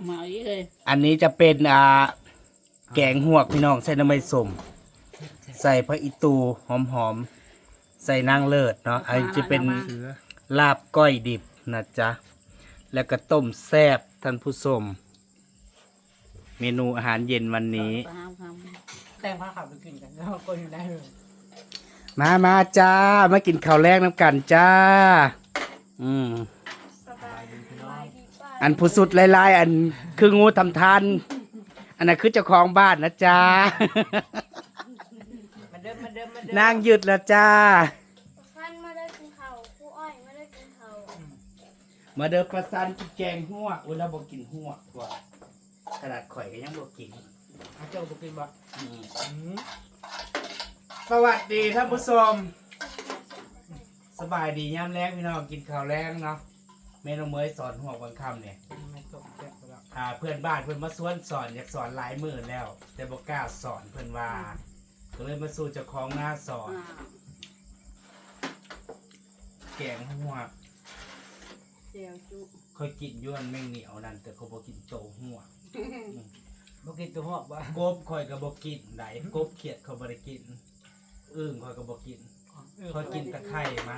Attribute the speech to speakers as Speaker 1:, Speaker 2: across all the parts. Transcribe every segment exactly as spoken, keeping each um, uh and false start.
Speaker 1: มาอีกเลย
Speaker 2: อันนี้จะเป็นอ่าแกงหวกพี่น้องใส่น้ำมันสมใส่พระอิตูหอมๆใส่นางเลิศเนาะอันนี้จะเป็นลาบก้อยดิบนะจ๊ะแล้วก็ต้มแซ่บท่านผู้ชมเมนูอาหารเย็นวันนี้
Speaker 3: แต่งผ้าขาวไปกินกันแล้วก็อยู่ได้เลย
Speaker 2: มามาจ้ามากินข้าวแรกน้ำกันจ้าอืมอันผู้สุดลายๆอันคืองูทำทานอันนั้นคือเจ้าของบ้านนะจ้า
Speaker 3: มาเดิมมาเดิมมาเดิม
Speaker 2: นางหยุดแล้วจ้า
Speaker 4: ท่านไม่ได้กินข้าวครูอ้อยไม่ได้กินข้าว
Speaker 2: มาเดินประสันกินแกงหัวกอุ้ยเราบอกกินหัวกกว่าขนาดข่อยก็ยังบอกกิน
Speaker 3: เอาเจ้าบุกินบ่
Speaker 2: อืม
Speaker 3: อืม
Speaker 2: สวัสดีท่านผู้ชมสบายดีย่ำแรงพี่น้องกินข้าวแรงเนาะเมนูเมยสอนหัวกบางคำเนี่ย
Speaker 3: ไม่ตกแกะไปแล้ว
Speaker 2: อ่าเพื่อนบ้านเพื่อนมาสวนสอนอยากสอนหลายมือแล้ว แต่บอกกล้าสอนเพื่อนว่าก็เลยมาสู่เจ้าของหน้าสอน แกงหัวก
Speaker 1: เจียวจุ
Speaker 2: ค่อยกินย้วนแม่งเหนียวนั่นแต่เขาบอกกินโตหัวก
Speaker 3: บุกินตัวหอกบ่
Speaker 2: กบข่อยก็บอกกินไหนกบเขียดเขาบ่ได้กินอึ่งข่อยก็บอกกินข่อยกินแต่ไข่มัน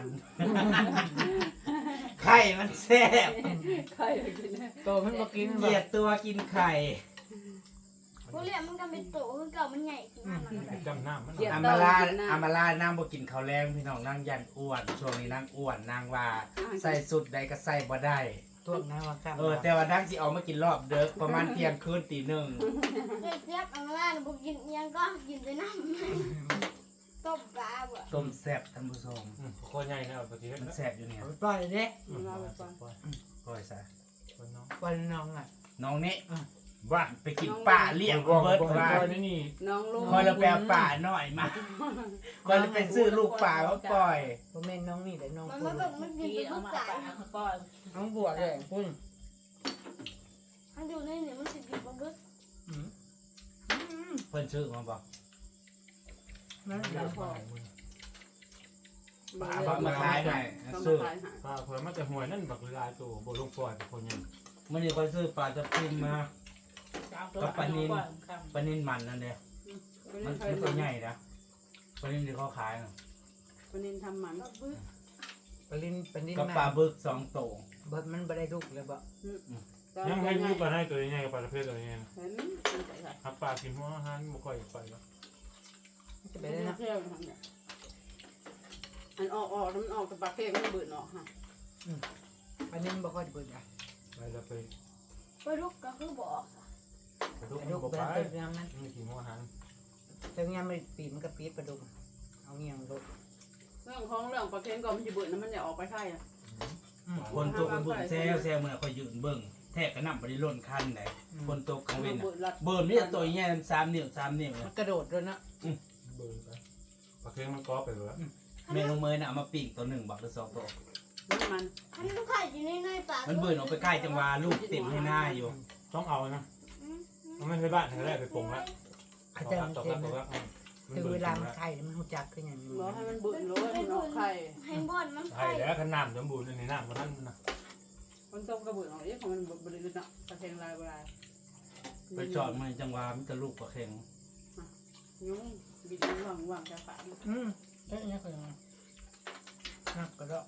Speaker 2: ไข่มันแซ่บ
Speaker 1: ใครกินนะ
Speaker 3: โตมันบุกิน
Speaker 2: เก
Speaker 3: บ่
Speaker 2: ลียดตัวกินไข่
Speaker 4: ผู้เรียนมันก็เป็นโตคือเก่ามันใหญ่ขึ้นมามัน
Speaker 5: จำหน้ามัน
Speaker 2: อามาลาอามาลานั่งบ่กินข้าวแรงพี่น้องนั่งยันอ้วนช่วงนี้นั่งอ้วนนั่งว่าใส่สุดใดก็ใส่บ่ได้
Speaker 3: ตัวน้ำว่าข้าม
Speaker 2: เออแต่ว่านั่งสิเอามากินรอบเด้อประมาณเที่ยงคืนตีหนึ่ง
Speaker 4: เด็กเทียบอังล่าบุกินยังก็กินไปน้ำต้มปลาบ่
Speaker 2: ต้มแซ่บท่านผู้ชม
Speaker 5: โคตรใหญ่นะปกติ
Speaker 2: มันแซ่บอยู่เนี่ย
Speaker 3: เอาไปปล่อยเด้
Speaker 1: เราไปก่อน
Speaker 2: ก้อยซะ
Speaker 5: คนน้อง
Speaker 3: ปล่อยน้องอ่ะ
Speaker 2: น้องนี่
Speaker 5: บ้า
Speaker 2: ไปกินป่าเลี้ยงเบิร์ดว่า
Speaker 5: นี่นี่
Speaker 1: น้องลุง
Speaker 2: คอยเราแปลป่าหน่อยมาคอยเราไปซื้อลูกป่ามาปล่อย
Speaker 3: บ่แม่นน้องนี่แต่น้อง
Speaker 4: มัน
Speaker 3: ปุ้
Speaker 4: ไม่
Speaker 3: น
Speaker 4: แบบมันกิน
Speaker 1: กี
Speaker 4: เป็น
Speaker 1: เอา
Speaker 4: ลูก
Speaker 1: มา
Speaker 4: ไก่
Speaker 1: ปะก้อน
Speaker 3: น้องบัวแดงปุ้น
Speaker 4: มันอยู่ในนี่มันสิกินมันก็
Speaker 3: อืม
Speaker 2: เพิ่นชื่อมาบอก
Speaker 3: นั่น
Speaker 5: เดี๋
Speaker 3: แห
Speaker 5: ย
Speaker 3: ละ
Speaker 5: วมามึง
Speaker 2: ป่าเขามาขายให้
Speaker 1: เขา
Speaker 2: ซื้อ
Speaker 1: มาขายให้
Speaker 5: ป้าเผื่อมันจะหวยนั่นบักลายตัวโบลูกปล่อยเป็นคนยัง
Speaker 2: มันนี่คอยซื้อปลาจะพิมมา
Speaker 1: กับปลานิล
Speaker 2: ปลานิ่นมันนั่นเดียวมันไม่ตัวใหญ่นะปลานิ่นที่เขาขายน่ะ
Speaker 1: ปลานิลทำมัน
Speaker 4: กระบึก
Speaker 3: ปลินปลิน
Speaker 2: กับ
Speaker 3: มา
Speaker 2: ปลาบึกสองโต
Speaker 3: เบิดมันบ่ได้ลูกเลยบ่
Speaker 5: ยังให้ลูกปลาให้ตัวยังไงกับปลาประเภทตัวยังไง
Speaker 1: เห็นใส่ใส่
Speaker 5: ถ้าปลากินหัวอาหารบ่ค่อยไปแล้ว
Speaker 3: จะ
Speaker 1: ไป
Speaker 3: ไปได้
Speaker 1: ได้
Speaker 3: นะ
Speaker 1: นะเที่ยวทำเนี่ยอันออกออกมันออกกับปลาเค็มมันเบื่อออกฮะ
Speaker 3: ปลินบ่ค่อยเบิดอ่ะ
Speaker 5: ไปแล้วไป
Speaker 4: ปลาดุกก็คือบอก
Speaker 5: กระดูก
Speaker 3: ปลาดุก
Speaker 5: บ่
Speaker 3: เป็
Speaker 5: ไป
Speaker 3: นตัวยังนั้น
Speaker 5: นี่กินหัวอาหาร
Speaker 3: แต่ยังไม่ปีมันก็ปีดปลาดุกเอาเงี้ยงลูก
Speaker 1: เรื่องของเรื่องปลาเค็มก่อนมันจะเบื่อนะมันจะออกไปใช่อ่ะ
Speaker 2: คนตกมันบุญแซวแซวมันคอยยืนเบิ่งแทกกระหน่ำบริล้นคันไหนคนตกกังเว้น
Speaker 1: เบื่อรัด
Speaker 2: เบิ่มนี่ตัวใหญ่สามนิ้วสามนิ้ว
Speaker 3: มันกระโดดด้วยนะ
Speaker 5: เบิ่งไปปลาเค็งมันก้อไปเลย
Speaker 2: เมนูเมยน่ะเอามาปิ้งตัวหนึ่งบักหรือสองตัว
Speaker 1: มันมัน
Speaker 4: อันนี้ลูกไข่อยู่ในในปลา
Speaker 2: มันเบิ่นออกไปใกล้จังหวะลูกเต็มให้หน้าอยู่
Speaker 5: ต้องเอานะมันไม่ใช่บ้านทางแรกไปปรุงแล้ว
Speaker 3: อาจารย์
Speaker 5: ตก
Speaker 3: เต็
Speaker 5: แล้ว
Speaker 3: ม
Speaker 5: ตกแล้ว
Speaker 3: คือเวลามันไข่มันหูจักขึ้นอย่างนี้
Speaker 1: บอกให้มันเบื่อเลยมันออกไข่
Speaker 4: ให้บอลมัน
Speaker 5: ไข่
Speaker 4: ไข่
Speaker 5: แล้วขนาดสมบูรณ์ในน้ำมันนั่นนะ
Speaker 1: มันต้มกระเบื่อออกเอ๊ะของมันบริสุทธิ์เนาะปลาเค็มลายลาย
Speaker 2: ไปจอดมันจังหวะมันจะลูกปลาเค็ง
Speaker 1: ยุ่งบิดว่างว่างจะฝา
Speaker 3: อืมเอ๊ะนี่คือยังไงนักกระโดด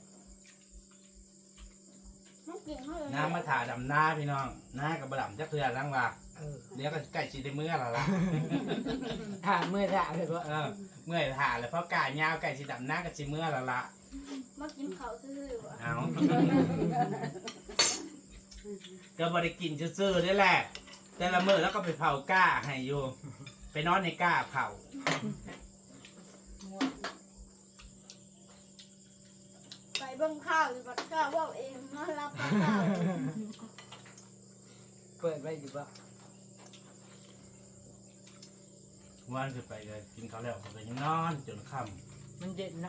Speaker 4: มันกินเขาเลย
Speaker 2: น้ำมาถ่าดำหน้าพี่น้องหน้ากับบะดำจักเทือนั่งว่า
Speaker 3: เออ
Speaker 2: เดี๋ยวก็ใกล้ชิได้เมื่อและล่ะ
Speaker 3: ถ้าเมื่อถ่าเลยว่า
Speaker 2: เออเมื่อยถ่าแล้วเพราะกายาวใกล้ชิดำหน้าก็ชิเมื่อและละ
Speaker 4: มากินข้าวซื่อๆว่ะ
Speaker 2: เอาก็บริกินซื่อๆนี่แหละ แต่ละมื้อแล้วก็ไปเผาก้าให้อยู่ไปนอนในก้าเผา
Speaker 4: ไปเบิ่งข้าวอยู่บัดข้าวว่าเองมารับข้าว
Speaker 3: เปิดไว้อยู่ว่า
Speaker 2: วันขึ้นไปเลยกินข้าวแล้วก็ไปยังนอนจนค่
Speaker 3: มันเย็นนะ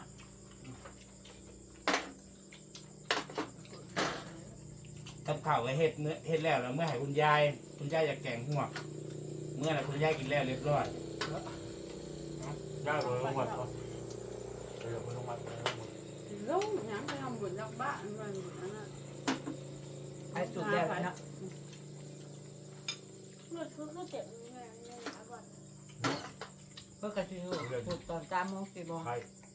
Speaker 2: ำกับข้าวไว้เฮ็ดเนื้อเฮ็ดแล้วแล้วเมื่อให้คุณยายคุณยายอยากแกงหัวกเมื่อไหร่คุณยายกินแล้วเรียบร้อย
Speaker 5: ย่าเลยลงวัดเขาเดี๋ยวมันลงวัดไปแล้วหมด
Speaker 1: ลูกยังไปทำบุญรักบ้านมันบุญนั่นน่ะ
Speaker 3: ไอ้จุดแรกนะ
Speaker 4: หลุดคือคือเจ็บเงินเงินหาก่อน
Speaker 3: เพื่อกระชิวถูกตอนสามโมงสี่โมง
Speaker 5: ใคร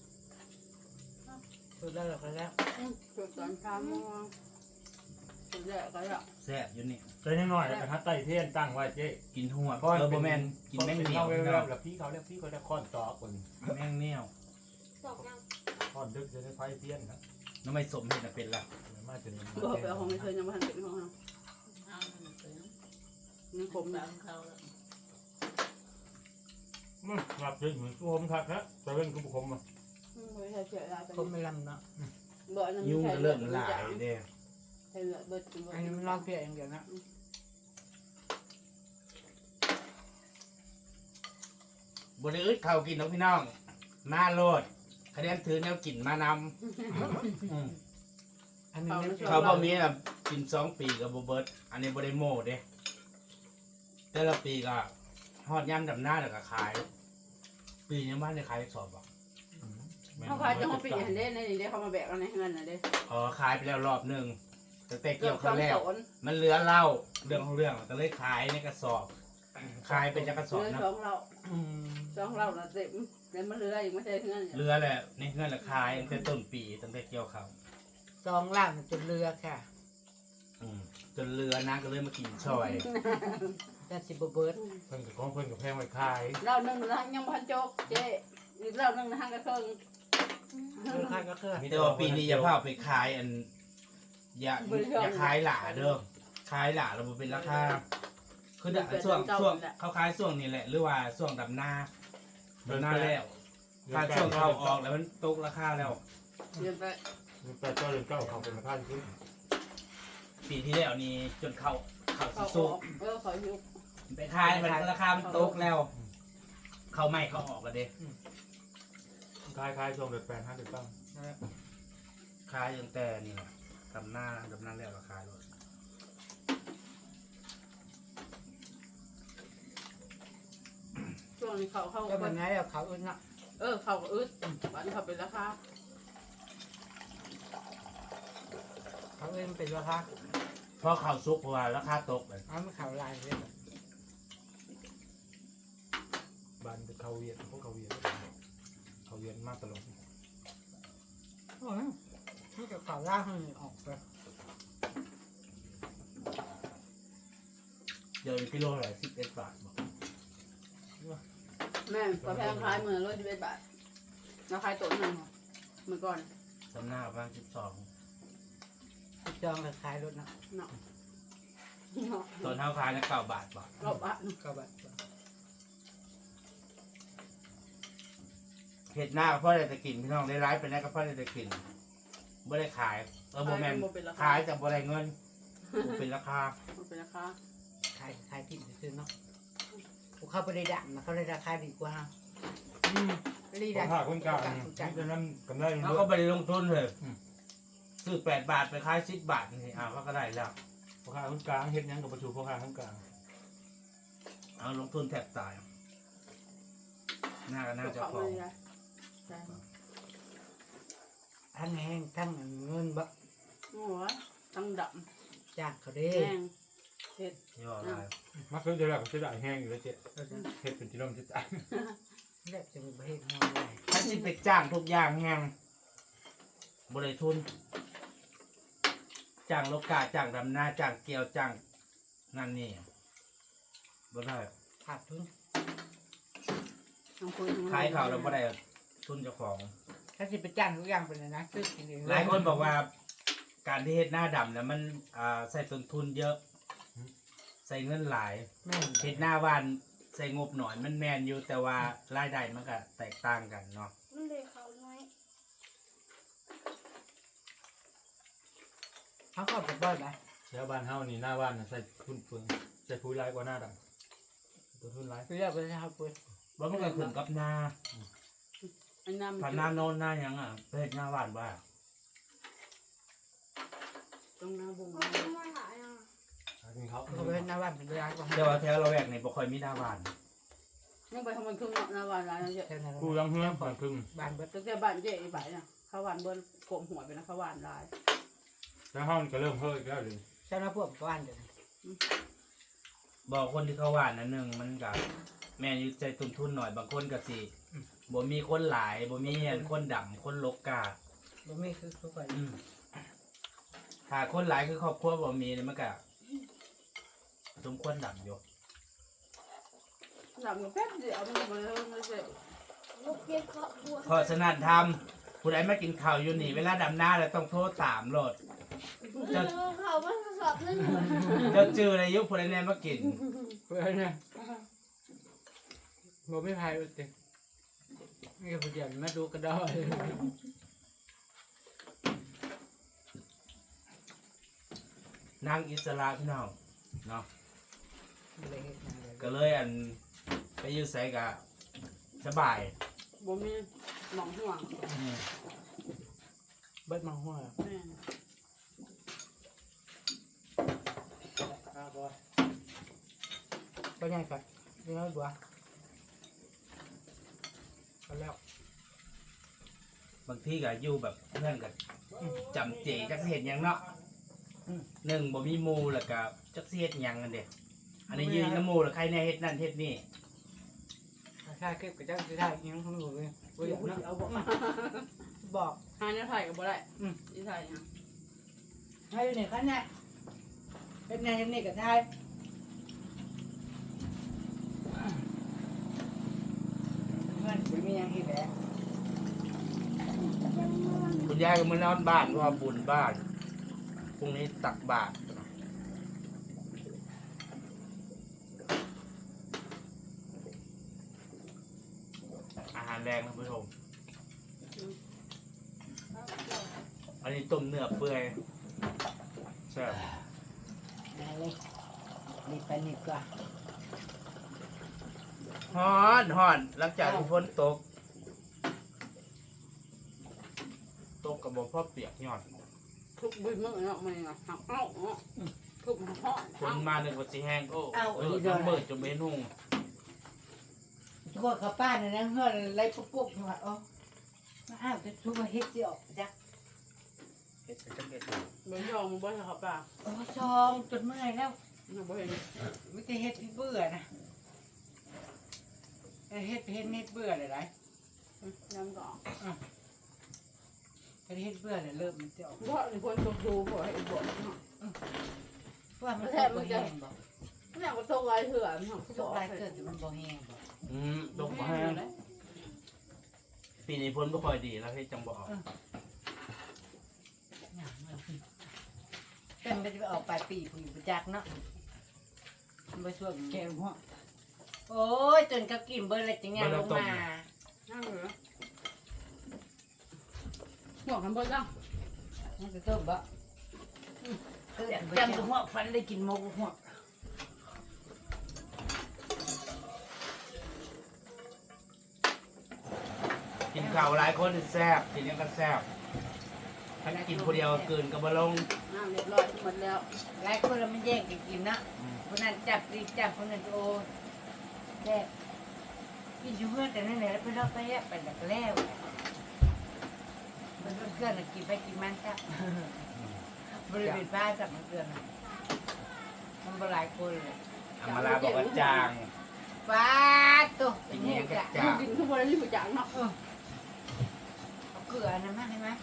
Speaker 3: ถูกแล้วหรอกแล้ว
Speaker 1: จุดตอนเช้าโมงจุดแรกก็จะ
Speaker 2: แซ่บอยู่นี่
Speaker 5: ใจนิดหน่อยแล้วฮัตไต้เทียนตั้งไว้เจ๊
Speaker 2: กินหัวเออบ่แม่นกินแมงเหนียว
Speaker 5: เว
Speaker 2: พี่
Speaker 5: ล
Speaker 2: น้อง
Speaker 5: แล้วพี่เขาเรียกพี่เขาเรียกค้อนตอกคน
Speaker 2: แมงเหนียว
Speaker 4: ตอกยัง
Speaker 5: ค้อนดึกจะได้ไฟเทียนครับ
Speaker 2: น้ำไม่สมเห็ดน่ะเป็นละ
Speaker 5: มาจน
Speaker 1: บอกไปเอาของไม่เคยยังไม่ทันเป็นของเรานี่ผมแบบ
Speaker 5: มันหลับเฉยเหมือนกูผมทักฮะแต่เป็นกูบุคคลมา
Speaker 1: ไม่ใช่เสียดาย
Speaker 3: ผมไม่ลำเนาะ
Speaker 1: บ่อนั้น
Speaker 2: ยุ่งก็เริ่มหลายเด้
Speaker 1: ใช่เหลือเบิด
Speaker 3: อันนี้มันลอกเพียอย่างเดียวนะ
Speaker 2: บ่ได้อึดข้าวกินเนาะพี่น้องมาโลดคะแนนถือแนวกินมานำอืม
Speaker 3: อันนี้ไม่
Speaker 2: เขาบ่มีอ่ะกินสองปีกับบ่เบิดอันนี้บ่ได้โม้เด้แต่ละปีก็ฮอดยามดำหน้าแล้วก็ขาย ปีนี้บ้านได้ขายสอบบ่
Speaker 1: เขาพาจะเขาปีหันเด้ในนี้เด้เขามาแบกเอาในเงินน่ะเด้
Speaker 2: อ๋อขายไปแล้วรอบหนึงตั้งแต่
Speaker 1: เกื
Speaker 2: เกี่
Speaker 1: อย บ
Speaker 2: ว
Speaker 1: ส
Speaker 2: ครั้
Speaker 1: อง
Speaker 2: งแรก
Speaker 1: โซน
Speaker 2: มันเหลือเหล้าเรื่องของเรื่องก็เลยขายในกระสอบ ขายเป็นจักกระส
Speaker 1: เห
Speaker 2: อบ
Speaker 1: ลือ
Speaker 2: นะ
Speaker 1: สองเรา
Speaker 3: อืม
Speaker 1: สองเราละเต็มแล้วมันเหลืออีกไม่ใช่เงิน
Speaker 2: เหลือแหละในเงื่อนละขายตั้งแต่ต้นปีตั้งแต่เกี่ยวเขาว
Speaker 3: ซองล่างจนเรือค่ะ
Speaker 2: อืมจนเรือนะก็เลยมากินซอย
Speaker 3: แต่สิบเบิร์ด
Speaker 5: เพิ่นกับของเพิ่นกับแพงไว้ขาย
Speaker 1: เราหนึ่งทางยังพันโจกเจ๊อีกเราหนึ่งทางกระเทิง
Speaker 3: เรือค่าก็คือ
Speaker 2: แต่ว่าปีนี้อย่าเผาไปขายอัน อย่าอย่าขายหลาเด้อขายหลาเราเป็นราคาคือเดี๋ยวช่วงช่วงเขาขายช่วงนี้แหละ หรือว่าช่วงดำหน้าดำหน้าแล้วถ้าช่วงเขาออกแล้วมันตกราคาแล้ว
Speaker 1: เรียนไป
Speaker 5: แต่เจ้าเรือนเจ้าเขาเป็นมาท่านขึ้น
Speaker 2: ปีที่แล้วนี่จนเขาเขาสิ
Speaker 1: เขาอ
Speaker 2: สุ
Speaker 1: อก กเออเขายุก
Speaker 2: ไปขายมันราคามันตกแล้ว เขาไม่เขาออกกันเด้
Speaker 5: ขายขายช่วงเดือนแปดห้าเดือนเก้า
Speaker 2: ขายตั้งแต่นี่แหละดำหน้าดำหน้าแล้วราคาเลย
Speaker 1: ช่วงนี้เขาเขา
Speaker 3: ก็แบบนี้แล้วเขาอื่นนะ
Speaker 1: เออเขาก็อึดวันเขาเป็นราคา
Speaker 3: เขาอื่นเป็นราคา
Speaker 2: เพราะเขาซุกเพราะว่าราคาตกเลย
Speaker 3: เอาไม่เขาลายเลย
Speaker 5: บ้านเป็นเขาเวียนพวกเขาเวียนเขาเวียนมากตลอด
Speaker 3: โอ้ยมันจะเขาล่างให้ออกไป
Speaker 2: เดี๋ยวกิโลเท่าไหร่สิบเอ็ดบาทบอก
Speaker 1: แม่กาแฟขายเหมือนรถจะเป็นบาทราคาตัวหนึ่งเมื่อก่อน
Speaker 2: จำหน้าประมาณสิบสอง
Speaker 3: จองราคายรถนะ
Speaker 1: เนาะ
Speaker 2: ตอนเท้าขายนะเก้าบาทบาท
Speaker 1: รอบบาท
Speaker 3: ก็แบบ
Speaker 2: เห็ดหน้าก็เพราะอะไรจะกินพี่น้องได้ร้ายไปนะก็เพราะอะไรจะกินไม่ได้ขายเออโบแมนขายแต่บ่ได้เงินบ่เป็นราคา
Speaker 1: มันเป็นราคา
Speaker 3: ขายขายกินซื้อเนาะเขาไปได้ดังนะเขาได้ราคาดีกว่ารี
Speaker 5: ขอ
Speaker 3: ดั
Speaker 5: ง
Speaker 3: ง
Speaker 5: ข้าคนกลางนี่จะนั่นกำไร
Speaker 2: แล้ว
Speaker 5: เย
Speaker 2: ก็
Speaker 5: อะ
Speaker 2: ไปลงทุนเลยซื้อแปดบาทไปขายสิบบาทนี่อ้าวเขาก็ได้แล้ว
Speaker 5: พ่อข้าคนกลางเฮ็ดยังกับประชุมพ่อข้าคนกลาง
Speaker 2: เอาลงทุนแทบตายหน้าก็น่าจะ
Speaker 1: เขา
Speaker 2: พอ
Speaker 1: เลยนะใช่
Speaker 3: ทั้งแห้งทั้งเงินบะ
Speaker 1: โอ้ยตั้งด
Speaker 3: จ้างเขา
Speaker 1: ำ
Speaker 3: ได้
Speaker 1: แห้งเผ็ด
Speaker 2: ย่อลาย
Speaker 5: มักซื้อจะได้ก็จะได้แห้งอยู่แล้วเจ๊เฮ็ดเป็นจิโร่จะจ่าย
Speaker 3: เรียกจะมีประเทศงอนเลย
Speaker 2: ถ้าสิไปจ้างทุกอย่างแฮงบริทุนจ้างโลกาจ้างดำนาจ้างเกี่ยวจ้างนั่นนี่บ่ได้
Speaker 3: ขาดทุน
Speaker 1: ทั้งคุยทั้ง
Speaker 2: ขายเขาวแล้วบ่ได้ทุนเจ้าของ
Speaker 3: ถ้าสิไปจ้างทุกอย่างเป็นนะซื้อกินเอง
Speaker 2: หลายคนบอกว่าการที่เฮ็ดหน้าดำเนี่ยมันอ่าใส่ต้นทุนเยอะ ใส่เงินหลาย
Speaker 3: แม่
Speaker 2: เฮ็ดหน้าบ้านใส่งบหน่อยมันแมนอยู่แต่ว่ารายได้มันก็แตกต่างกันเนาะ
Speaker 4: มันเลยเขาน้อย
Speaker 3: เขาก็ไปบ่อยไหม
Speaker 5: แล้วบ้านเฮานี่หน้าบ้านใส่ทุนเฟืองใส่ปุ๋ยร้ายกว่าหน้าดำตัวทุนร้าย
Speaker 3: คือเรียกไปเขาปุ้ย
Speaker 2: ว่ามันก็ขึ้นกับหน้า
Speaker 1: อันนั้น
Speaker 2: พันหน้าโน้นหน้าหยังอ่ะไปเฮ็ดหน้าบ้านบ้า
Speaker 1: ตรงหน้าบุ้ง
Speaker 4: เขาไม่มาหลายอ่ะ
Speaker 5: กินเขา
Speaker 3: เขาไปหน้าบ้านเป็นร้านกว่า
Speaker 2: แต่ว่าแถวเราแวกนี่บ่ค่อยมีหน้าบ้าน
Speaker 1: ยังไปทำมันครึ่งหน้าวันร้านนั่นเยอะ
Speaker 3: แค่นั้น
Speaker 5: กูยังเฮือนบ้านครึ่ง
Speaker 3: บ้านเบิด
Speaker 1: ตั้งแต่บ้านเจ๊อีบ่ายน่ะข้าวหวานเบิ้ลโกมหัวไปนะข้าวหวานลาย
Speaker 5: แล้วห้องก็เริ่มเฮ้ยแล้วเลย
Speaker 3: ใช่ไหมพวกบ้านเดี๋ยว
Speaker 2: บอกคนที่เขาหวานนั่นหนึงมันก็แม่นอยู่ใจต้นทุนหน่อยบางคนก็สิบ่มีคนหลายบ่มีอันคนดำคนลกกา
Speaker 3: บ่มีคือทุกคน
Speaker 2: อืมถ้าคนหลายคือครอบครัวบ่มีเนี่ยมันก็สมควรดำอยู่
Speaker 1: หลับแป๊บเดียวมันมาเลยมันเสร็จ
Speaker 4: ลูกเพียงครอบครัว
Speaker 2: เพราะฉะนั้นทำผู้ใดมากินข้าวอยู่นี่เวลาดำหน้าแล้วต้องโทรตามโลด
Speaker 4: เออเขาไม่สอบนั่นอยู่
Speaker 2: เจ้าจื้อในยุคผู้ใดแน่มากิน
Speaker 3: เพื่อนเนี่ยบ่ไม่พายอุตินี่ก็เดี๋ยวมาดูกระดอย
Speaker 2: นางอิสระพี่น้องเนาะ
Speaker 3: เลยเฮ็ดหยังเลย
Speaker 2: ก็เลยอันไปอยู่ไสกะสบาย
Speaker 1: บ่มีหมองห่วง
Speaker 2: อืม
Speaker 3: เบิดมาหัว
Speaker 1: แม่
Speaker 3: ครับบ่บ่ยังก่อนเดี๋ยวบัวเอาแล้ว
Speaker 2: บางทีก็อยู่แบบเพื่อนกันจำเจจักสิเฮ็ดหยังเนาะหนึ่งบ่มีหมู่แล้วก็จักสิเฮ็ดหยังกันเด้อันนี้ยืนน้ำหมู่แล้วใครแน่เฮ็ดนั่นเฮ็ดนี่
Speaker 3: ถ้าคลิปก็จะสิถ่ายยังของหนูเลยบ่อยากเนาะ
Speaker 1: เอาบอกมา
Speaker 3: บอก
Speaker 1: หาเนี่ยถ่ายกับบ่ได้
Speaker 3: อืม
Speaker 1: ที่ถ่ายนะ
Speaker 3: ให้อยู่นี่คันน่ะเฮ็ดแน่เฮ็ดนี่ก็ถ่ายเพื่อนสิมีหยังอีกแหละ
Speaker 2: คุณยายก็มานอนบ้านเพราะว่าบุญบ้านพรุ่งนี้ตักบาตรอาหารแรงท่านผู้ชมอันนี้ต้มเนื้อเปื่อยใช่
Speaker 3: ได้เลยนี่ไปนี่ก่อน
Speaker 2: ฮ้อนฮ้อนหลังจากที่ฝนตก ตกกับบ่พ่อเปียกยอด
Speaker 1: ทุกบึ้มเนาะมันน่ะหักเอ้าเนาะทุกมันห่อ
Speaker 2: ฝนมาหนึ่งวันสีแห้งโอ้เออน้ำเบิดจนเบนุ่ง
Speaker 3: ทุกคนเขาป้าเนี่ยนะเฮือนไรปุ๊บๆว่าอ๋อมาอ้าวจะทุกคนเฮ็ดสิออกจัก
Speaker 2: เฮ็ดไปจังเฮ็ด
Speaker 1: บ่ยอมมันบ่ให้เขาป่า
Speaker 3: โอ้ชองจนเมื่อยแล้ว
Speaker 1: มันบ่เห็น
Speaker 3: ไม่ได้เฮ็ดที่เบื่อนะเฮ็ดเฮ็ดเฮ็ดเบื่อเลยไร
Speaker 1: ยังก็
Speaker 3: เฮ็ดเฮ็ดเบื่อเลยเริ่มมันจะออก
Speaker 1: บ่นี่คนตกดูบ่ให้บ่เนาะ
Speaker 3: เพราะว่ามันตกบ่แห้งบ่
Speaker 1: แม่ก็ตกหลายเถื่อเนาะ
Speaker 3: ตกหลายเกิดแต่มันบ่แห้งบ่
Speaker 2: อืมตกบ่แห้งปีนี้ฝนบ่ค่อยดีแล้วให้จังบ่ออก
Speaker 3: แต่มันจะไปออกปลายปีผู้อยู่ประจักษ์เนาะมันไปช่วยแกงหัวโอ้ยจนเขากินเบิดเลยจังยังลงมา
Speaker 1: นั่งเหรอหัวกันบ่จัง
Speaker 3: มันจะต้มบ่จำตัวหัวฟันได้กินหมกหัว
Speaker 2: กินข้าวหลายคนนี่แซ่บกินยังก็แซ่บถ้ากินคนเดียวเกินก็บ่ลง
Speaker 1: น้ำเรียบร้อยหมดแล้ว
Speaker 3: หลายคนเราไม่แย่งกันกินนะคนนั้นจับดีจับคนนั้นโอ้แย่กินอยู่เพื่อนแต่นั่นแหละแล้วเพื่อนเราไปแยกไปดักแล้วมันเพื่อนกินไปกินมันจับบริเวณบ้านจับมันเพื่อนมันบหลายคนเลย
Speaker 2: อามาลาบอกว่าจาง
Speaker 3: ฟ้าตัว
Speaker 2: กินยังก็
Speaker 3: จะ
Speaker 2: จาง
Speaker 1: กินทุกวันนี้บ่จังเนาะ
Speaker 3: เอาเกลือนะมั้งใช่ไหม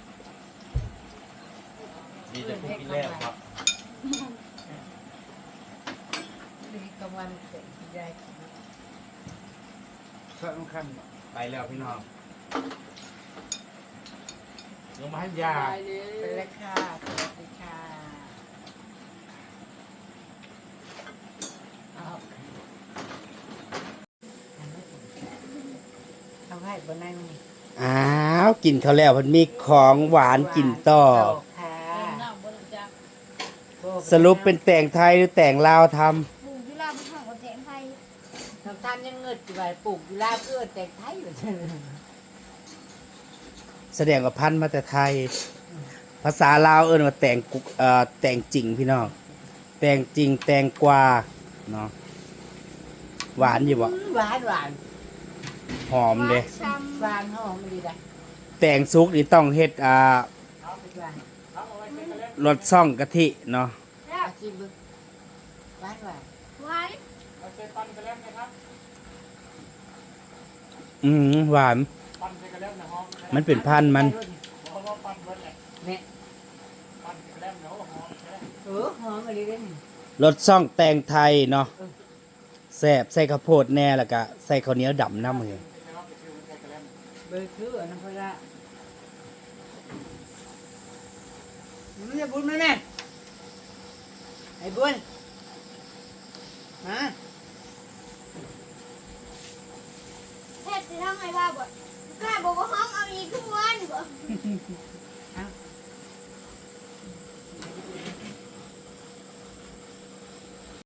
Speaker 2: มีแต่พวกกินแล้วครับ
Speaker 3: ดีกลางวันเสร็จได้กิน
Speaker 2: สำคัญไปแล้วพี่น้องลงมาให้ยา
Speaker 1: ไปเลย
Speaker 3: ไปแล้วค่ะสวัสดีค่ะเอาเอาให้บนนั่ง
Speaker 2: อ้าวกินเขาวแล้วมันมีของหวานกินต่อ
Speaker 3: ค่ะ
Speaker 1: น้ำบ่จัง
Speaker 2: สรุปเป็นแต่งไทยหรือแต่งลาวท
Speaker 4: ปู่ที่ลาเป็นของคนแทงไทย
Speaker 3: ทำท่านยังเงิดอยู่ไปปลูกอยู่ลาเพื่อแต่งไทยอยู่เช่น
Speaker 2: ำแสดงว่าพันธุ์มาแต่ไทย ภาษาลาวเอิ้นว่าแต่งกุเอ่อแต่งจริงพี่น้องแต่งจริงแต่งกว่าเนาะหวานอยู่บ่
Speaker 3: หวานหวาน
Speaker 2: หอมเด้
Speaker 4: ช้
Speaker 3: หวานหอมดีนะ
Speaker 2: แต่งซุกนี่ต้องเฮ็ดอ่า
Speaker 3: เอาไปหวาน
Speaker 2: รสซ่องกะทิเนาะ
Speaker 4: ำแล้ว
Speaker 3: อาชีพบึกหวานหวาน
Speaker 4: หวาน
Speaker 5: เอาเซปันกระเล่มนะครับ
Speaker 2: อืมหวาน
Speaker 5: ปันใส่กระเล่มนะฮอม
Speaker 2: มันเป็นพันธุ์มัน
Speaker 5: เพราะว่าปันเบิดแหละ
Speaker 3: เนี่ย
Speaker 5: ปันใส่กระเล่มเนาะหอมใช่ไหม
Speaker 3: เออหอมอะไรเด้นี่
Speaker 2: รสช่องแตงไทยเนาะแซ่บใส่ข้าวโพดแน่แล้วก็ใส่ข้าวเหนียวดำน้ำมือ
Speaker 5: ใช่ไหมไปซื้อใส่กระเล่ม
Speaker 3: เบอร์คืออันนั้นพอละมันจะบุญไหมแม่ไอ้บุญมา
Speaker 4: เผ็ดจะทำไงบ้าบ่กล้าบอกว่าห้องเอาอีกทุกวันบ่